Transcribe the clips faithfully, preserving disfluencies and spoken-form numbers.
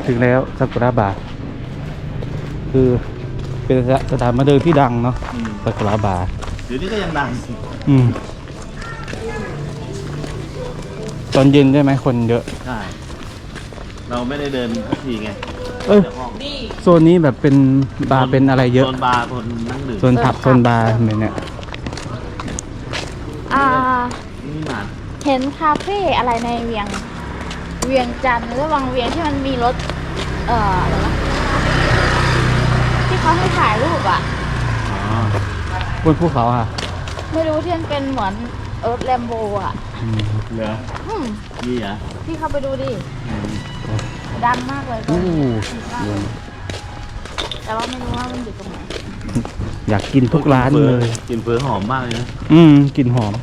ถึงแล้วซากุระบาร์คือเป็นสถานบันเทิงที่ดังเนาะซากุระบาร์เดี๋ยวนี้ก็ยังดังอืมตอนเย็นใช่ไหมคนเยอะใช่เราไม่ได้เดินทักทีไงเออโซนนี้แบบเป็นบาร์เป็นอะไรเยอะโซนบาร์โซนนั่งดื่มโซนผับโซนบาร์เหมือนเนี่ยอ่านี่มาเห็นคาเฟ่อะไรในเวียงเวียงจันทร์หรือวังเวียงที่มันมีรถเอ่ออะไรวะที่เขาให้ถ่ายรูปอ่ะอ๋อบนภูเขาอ่ะไม่รู้ที่มันเป็นเหมือนรถแลมโบอ่ะเหรอนี่เหรอพี่เข้าไปดูดิดังมากเลยก็แต่ว่าไม่รู้ว่ามันอยู่ตรงไหนอยากกินทุกร้านเลยกินเฟอหอมมากเลยนะอืมกลิ่นหอม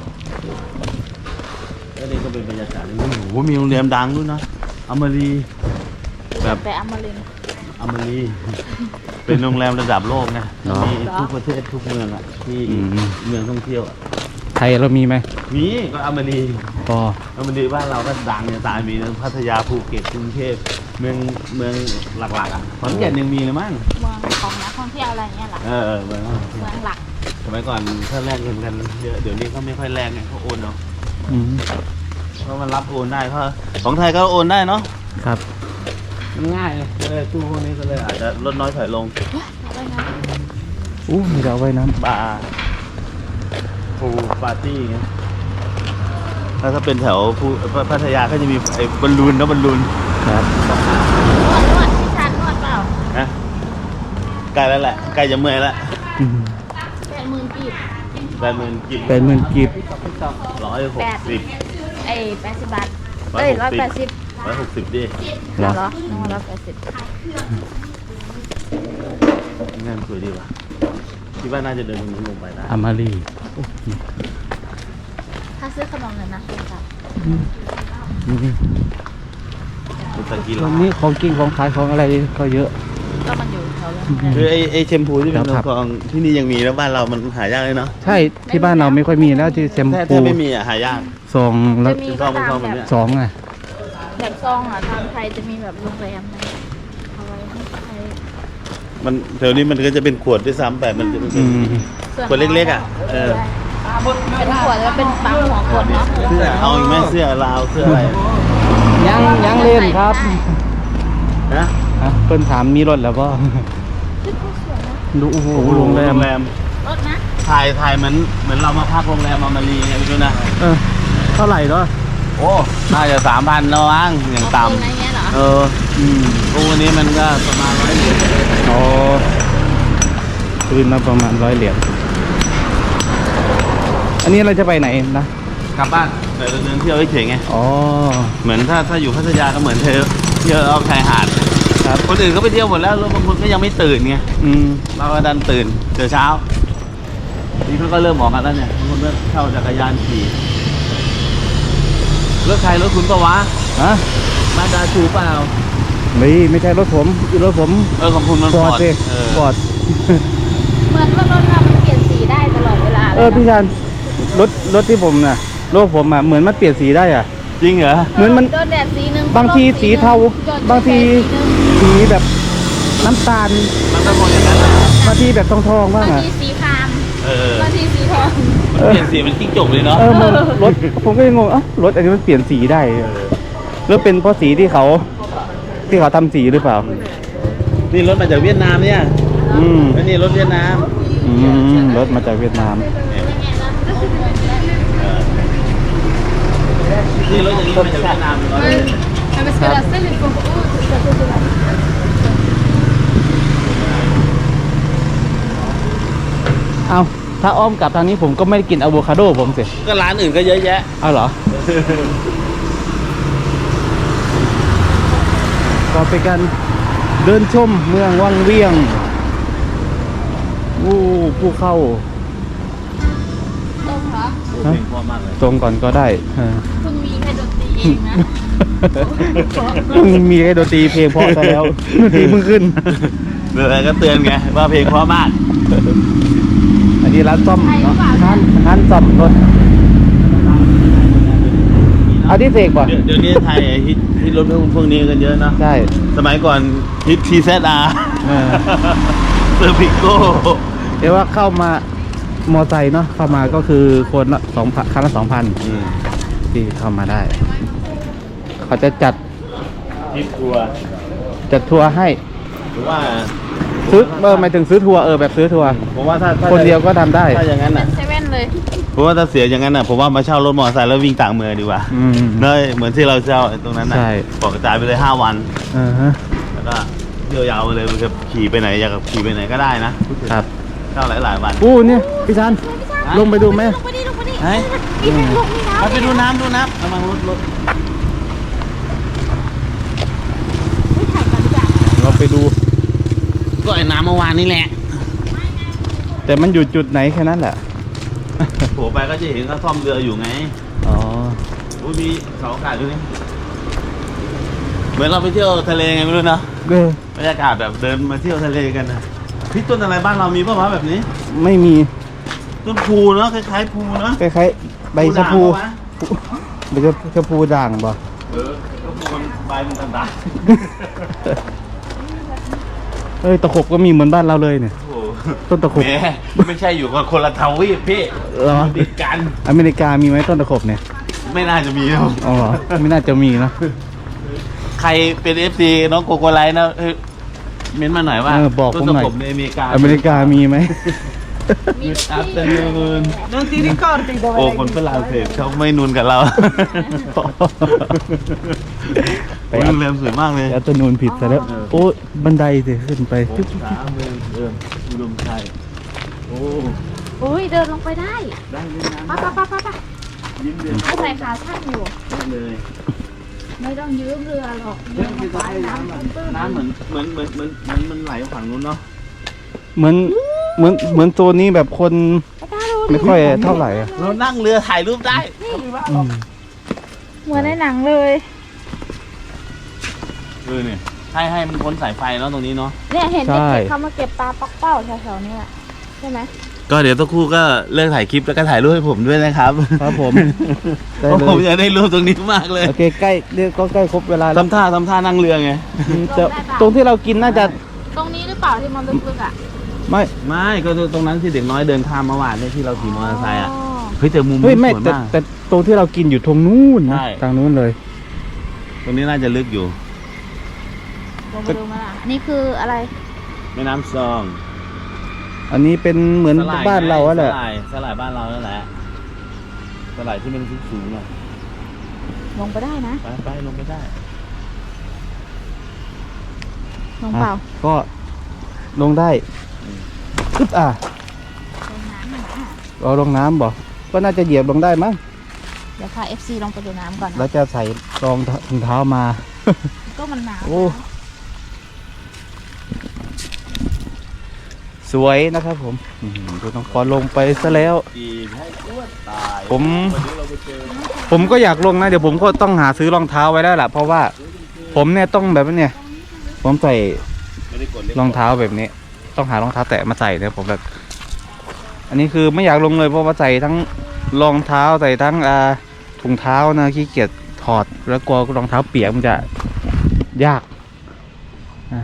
แล้วนี่ก็เป็นบรรยากาศโอ้โหมีโรงแรมดังด้วยนะอมรีแบบแต่อมรินอมรีเป็นโรงแรมระดับโลกนะมีทุกประเทศทุกเมืองอ่ะที่เมืองท่องเที่ยวไทยเรามีไหมมีก็อมรีก็อมรีบ้านเราก็ดังเนี่ยตายมีพัทยาภูเก็ตกรุงเทพเมืองเมืองหลักๆอ่ะขอนแก่นยังมีเลยมั้งเมืองของนักท่องเที่ยวอะไรเงี้ยหรอเออเมืองเมืองหลักสมัยก่อนถ้าแลกเงินกันเยอะเดี๋ยวนี้เขาไม่ค่อยแลกไงเขาโอนเนาะเพราะมันรับโอนได้เพราะของไทยก็โอนได้เนาะครับมันง่ายเลยตู้พวกนี้ก็เลยอาจจะลดน้อยถอยลงอู้มีดาวไว้น้ำบาร์พูปาร์ตี้ไงถ้าถ้าเป็นแถวภูพัทยาก็จะมีไอ้บอลลูนนะบอลลูนครับนวดนวดที่ชานนวดเปล่าฮะใกล้แล้วแหละใกล้จะเมื่อยแล้วแปดหมื่นกีบแปดหมื่นกีบแปดหมื่นกีบร้อยหกสิบไอ้แปดสิบบาทเอ้ยร้อยแปดสิบร้อยหกสิบดิเหรอร้อยแปดสิบงานสวยดีว่ะคิดว่าน่าจะเดินตรงนี้ลงไปได้อามารีถ้าซื้อขนมเลยนะครับวันนี้ของกินของขายของอะไรก็เยอะก็มันอยู่แถวนั้นคือไอไอแชมพูที่เป็นของที่นี่ยังมีแล้วบ้านเรามันหายากเลยเนาะใช่ที่บ้านเราไม่ค่อยมีแล้วที่แชมพูไม่มีอ่ะหายากซองแล้วซองซองแบบนี้ซองไงแบบซองอ่ะทางไทยจะมีแบบโรงแรมเอาไว้ให้ใช้มันแถวนี้มันก็จะเป็นขวดด้วยซ้ำแต่มันจะเป็นขวดเล็กๆอ่ะเออเป็นขวดแล้วเป็นปั๊มหัวขวดเนาะเสื้อเอาอีกไหมเสื้อลาวเสื้ออะไรยังยังเล่นครับนะเพิ่นถามมีรถแล้วป่ะดูโอ้โหโรงแรมรถนะถ่ายถ่ายเหมือนเหมือนเรามาพักโรงแรมมามารีไงพี่ดูนะเออเท่าไหร่เนาะโอ้น่าจะสามพันแล้วมั้งอย่างต่ำเอออืมตู้นี้มันก็ประมาณร้อยเหรียญอ๋อคืนมาประมาณร้อยเหรียญอันนี้เราจะไปไหนนะกลับบ้านเดินเดินเที่ยวเฉยๆไงอ๋อเหมือนถ้าถ้าอยู่พัทยาก็เหมือนเที่ยวเที่ยวเอาชายหาดครับคนอื่นก็ไปเที่ยวหมดแล้วแล้วบางคนก็ยังไม่ตื่นไงอืมเราก็ดันตื่นเจอเช้านี่เขาก็เริ่มออกกันแล้วเนี่ยบางคนก็เช่าจักรยานขี่รถใครรถคุณปะวะฮะมาดาชูเปล่าไม่ไม่ใช่รถผมรถผมเออของคุณมันฟอร์ดฟอร์ดเหมือนว่ารถเรามันเปลี่ยนสีได้ตลอดเวลาเออพี่ชานรถรถที่ผมน่ะรถผมอ่ะเหมือนมันเปลี่ยนสีได้อ่ะจริงเหรอเหมือนมันโดนแดดสีนึงบางทีสีเทาบางทีสีแบบน้ำตาลมันก็คงอย่างนั้นบางทีแบบทองทองบ้างอ่ะบางทีสีครามเออบางทีสีทองมันเปลี่ยนสีมันจิ้งจกเลยเนาะเออรถผมก็ยังงงอ่ะรถอันนี้มันเปลี่ยนสีได้แล้วเป็นเพราะสีที่เขาที่เขาทำสีหรือเปล่านี่รถมาจากเวียดนามเนี่ยอืมนี่รถเวียดนามอืมรถมาจากเวียดนามนี่รถอย่างนี้มาจากเวียดนามเอาถ้าอ้อมกลับทางนี้ผมก็ไม่ได้กินอะโวคาโดผมสิก็ร้านอื่นก็เยอะแยะเอาเหรอก็เป็นการเดินชมเมืองวังเวียงวู้ผู้เข้าตรงเหรอตรงก่อนก็ได้เพิ่งมีแค่ดนตรีเองนะเพิ่งมีแค่ดนตรีเพลงเพราะซะแล้วดนตรีเพิ่งขึ้นเดี๋ยวก็เตือนไงว่าเพลงเพราะมากอันนี้ร้านซ่อมเนาะร้านร้านซ่อมรถมีน้เอาที่เสกป่ะเดี๋ยวเดี๋ยวนี้ไทยฮิตฮิตรถพวกนี้กันเยอะนะใช่สมัยก่อนฮิตทีเซอาร์เออเซอร์พิโก้เดี๋ยวว่าเข้ามามอไซค์เนาะเข้ามาก็คือคนละสองพันคันละสองพันที่เข้ามาได้ เขาจะจัดฮิตทัวร์จัดทัวร์ให้หรือว่าซื้อเออหมายถึงซื้อทัวร์เออแบบซื้อทัวร์ผมว่าถ้าถ้าคนเดียวก็ทำได้ถ้าอย่างนั้นอ่ะเซเว่นเลยเพราะว่าถ้าเสียอย่างนั้นอ่ะผมว่ามาเช่ารถมอเตอร์ไซค์แล้ววิ่งต่างเมืองดีกว่าอืมเนยเหมือนที่เราเช่าตรงนั้นน่ะใช่บอกกระจายไปเลยห้าวันเออฮะแล้วก็เที่ยวยาวไปเลยมันจะขี่ไปไหนอยากขี่ไปไหนก็ได้นะครับ เช่าหลายหลายๆวันอู้เนี่ยพี่ชันลงไปดูไหมลงไปดิลงไปดิไหนมีเป็นลงมีน้ำเอาไปดูน้ำดูน้ำกำลังรถรถไม่ถ่ายกันจ้ะเราไปดูก็ไอ้น้ำเมื่อวานนี่แหละแต่มันอยู่จุดไหนแค่นั้นแหละโผล่ไปก็จะเห็นเขาซ่อมเรืออยู่ไงอ๋ออุ้ยมีเสาอากาศด้วยนี่เหมือนเราไปเที่ยวทะเลไงไม่รู้นะเออบรรยากาศแบบเดินมาเที่ยวทะเลกันนะพี่ต้นอะไรบ้านเรามีป่าวะแบบนี้ไม่มีต้นพูเนาะคล้ายๆพูเนาะคล้ายๆใบชะพูด่างปะวะใบชะพูด่างป่ะเออก็พูมันใบมันต่างเอ้ยตะขบก็มีเหมือนบ้านเราเลยเนี่ยๆโอ้โหต้นตะขบแหมไม่ใช่อยู่กับคนละทวีปพี่เหรอติดกันอเมริกามีไหมต้นตะขบเนี่ยไม่น่าจะมีนะอ๋อเหรอไม่น่าจะมีเนอะใครเป็นเอฟซีน้องโกโกไลท์นะเอ้ยเม้นต์มาหน่อยว่าเออบอกผมหน่อยต้นตะขบในอเมริกาอเมริกามีไหม Good afternoon Non ti ricordi dove โอ้ l'hai คนฝ vista? รั่งเศสเขาไม่นุนกับเราไปโอ้ยโรงแรมสวยมากเลยแอตนูนผิดซะแล้วเออโอ้บันไดสิขึ้นไปโอ้สามเมืองเอิมอุดมชัยโอ้อุ้ยเดินลงไปได้ได้เลยนะไปไปไปไปไปยิ้มเดือนเขาใส่ขาสั้นอยู่เลยไม่ต้องยืมเรือหรอกเรื่องที่จะให้น้ำแบบน้ำเหมือนเหมือนเหมือนเหมือนเหมือนมันไหลฝั่งนู้นเนาะเหมือนเหมือนเหมือนโซนนี้แบบคนไปตาดูดิไม่ค่อยเท่าไหร่อะเรานั่งเรือถ่ายรูปได้อืมเหมือนในหนังเลยเออเนี่ยให้ให้มันพ้นสายไฟเนาะตรงนี้เนาะเนี่ยเห็นเด็กๆเขามาเก็บปลาปักเป้าแถวๆนี้แหละใช่ไหมก็เดี๋ยวต้องคู่ก็เลิกถ่ายคลิปแล้วก็ถ่ายรูปให้ผมด้วยนะครับครับผม ได้เพราะเลผมยอยากได้รูปตรงนี้มากเลยโอเคใกล้เรียกก็ใกล้ครบเวลาแล้วทำท่าทำท่านั่งเรือไงจะตรงที่เรากินน่าจะตรงนี้หรือเปล่าที่มันลึกๆอ่ะไม่ไม่ก็ตรงนั้นที่เด็กน้อยเดินข้ามเมื่อวานเนี่ยที่เราขี่มอเตอร์ไซค์อ่ะอ๋อเฮ้ยแต่มุมเฮ้ยนี้ไม่สวยแต่มากแต่ตรงที่เรากินอยู่ตรงนู้นนะใช่ทางนู้นเลยตรงนี้น่าจะลึกอยู่ลงไปดูมาล่ะอันนี้คืออะไรแม่น้ำซองอันนี้เป็นเหมือนสลยบ้านเราอะแหละสลายสลายบ้านเรานั่นแหละสลายที่มันสูงๆหน่อยลงไปได้นะไปไปลงไปได้ลงเปล่าอ่ะก็ลงได้อึ๊บอ่ะลงน้ำหน่อยอ่ะเราลงน้ำบ่ก็น่าจะเหยียบลงได้มั้งเดี๋ยวพา เอฟ ซี ลงไปดูน้ำก่อนนะแล้วจะใส่รองถุงเท้ามาก็มันหนาวโอ้ สวยนะครับผมอื้อหือดูน้องปอนลงไปซะแล้วอีกให้อ้วนตายผมวันนี้เราไปเจอผมก็อยากลงนะเดี๋ยวผมก็ต้องหาซื้อรองเท้าไว้แล้วล่ะเพราะว่าผมเนี่ยต้องแบบว่าเนี่ยผมใส่ไม่ได้กดรองเท้าแบบนี้ ต้องหารองเท้าแตะมาใส่เนี่ยผมแบบ อันนี้คือไม่อยากลงเลยเพราะว่าใส่ทั้งรองเท้าใส่ทั้งอ่าถุงเท้านะขี้เกียจถอดแล้วกลัวรองเท้าเปียกมันจะยากอ่า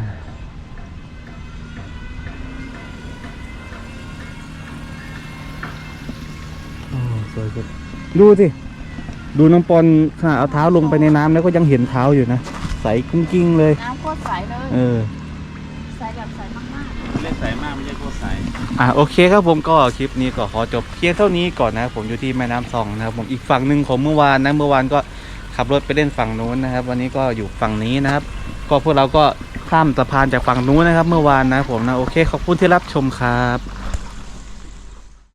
โอ้สวยจังดูสิดูน้องปอนขณะเอาเท้าลงไปในน้ำแล้วก็ยังเห็นเท้าอยู่นะใสกิ้งๆเลยน้ำโคตรใสเลยเออใสแบบใสมากเล่นใสมากไม่ใช่โคตรใสอ่ะโอเคครับผมก็คลิปนี้ก็ขอจบเพียงเท่านี้ก่อนนะครับผมอยู่ที่แม่น้ำซองนะครับผมอีกฝั่งหนึ่งของเมื่อวานนะเมื่อวานก็ขับรถไปเล่นฝั่งนู้นนะครับ วันนี้ก็อยู่ฝั่งนี้นะครับ ก็พวกเราก็ข้ามสะพานจากฝั่งนู้นนะครับ เมื่อวานนะครับผมนะโอเคขอบคุณที่รับชมครับ